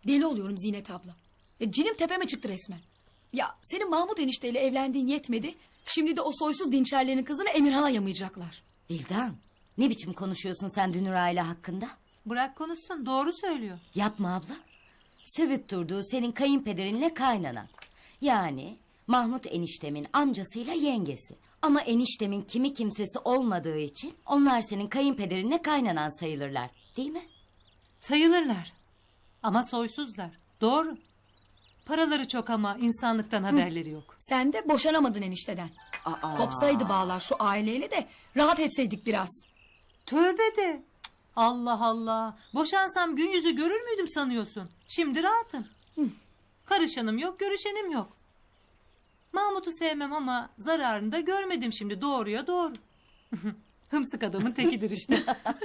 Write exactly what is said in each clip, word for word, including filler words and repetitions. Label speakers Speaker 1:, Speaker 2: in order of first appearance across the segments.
Speaker 1: Deli oluyorum Zinet abla. Ya, cinim tepeme çıktı resmen. Ya senin Mahmut enişteyle evlendiğin yetmedi. Şimdi de o soysuz dinçerlerin kızını Emirhan'a yamayacaklar.
Speaker 2: Vildan, ne biçim konuşuyorsun sen Dünür aile hakkında?
Speaker 3: Bırak konuşsun, doğru söylüyor.
Speaker 2: Yapma abla. Sövüp durduğu senin kayınpederinle kaynanan. Yani Mahmut eniştemin amcasıyla yengesi. Ama eniştemin kimi kimsesi olmadığı için onlar senin kayınpederinle kaynanan sayılırlar. Değil mi?
Speaker 3: Sayılırlar. Ama soysuzlar. Doğru. Paraları çok ama insanlıktan haberleri yok.
Speaker 1: Sen de boşanamadın enişteden.
Speaker 2: Aa.
Speaker 1: Kopsaydı bağlar şu aileyle de rahat etseydik biraz.
Speaker 3: Tövbe de. Allah Allah. Boşansam gün yüzü görür müydüm sanıyorsun? Şimdi rahatım. Karışanım yok, görüşenim yok. Mahmut'u sevmem ama zararını da görmedim şimdi. Doğruya doğru. Hımsık adamın tekidir işte.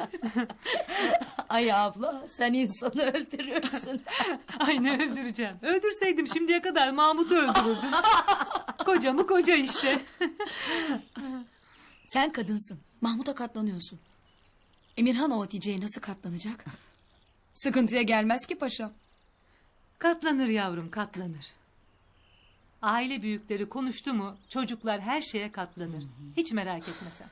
Speaker 2: Ay abla, sen insanı öldürürsün.
Speaker 3: Ay ne öldüreceğim. Öldürseydim şimdiye kadar Mahmut'u öldürürdüm. Kocamı koca işte.
Speaker 1: Sen kadınsın. Mahmut'a katlanıyorsun. Emirhan o Hatice'ye nasıl katlanacak? Sıkıntıya gelmez ki paşam.
Speaker 3: Katlanır yavrum, katlanır. Aile büyükleri konuştu mu çocuklar her şeye katlanır. Hiç merak etme sen.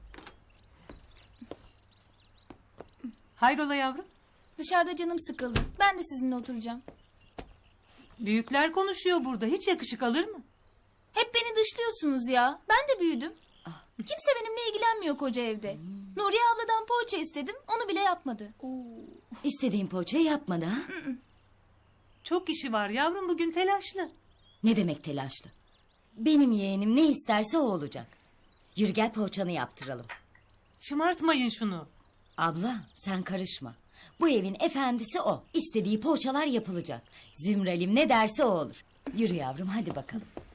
Speaker 3: Hayrola yavrum?
Speaker 4: Dışarıda canım sıkıldı. Ben de sizinle oturacağım.
Speaker 3: Büyükler konuşuyor burada. Hiç yakışık alır mı?
Speaker 4: Hep beni dışlıyorsunuz ya. Ben de büyüdüm. Kimse benimle ilgilenmiyor koca evde. Nuriye abladan poğaça istedim. Onu bile yapmadı.
Speaker 2: İstediğin poğaçayı yapmadı ha?
Speaker 3: Çok işi var yavrum, bugün telaşlı.
Speaker 2: Ne demek telaşlı? Benim yeğenim ne isterse o olacak. Yürü gel poğaçanı yaptıralım.
Speaker 3: Şımartmayın şunu.
Speaker 2: Abla sen karışma. Bu evin efendisi o. İstediği poğaçalar yapılacak. Zümralim ne derse o olur. Yürü yavrum hadi bakalım.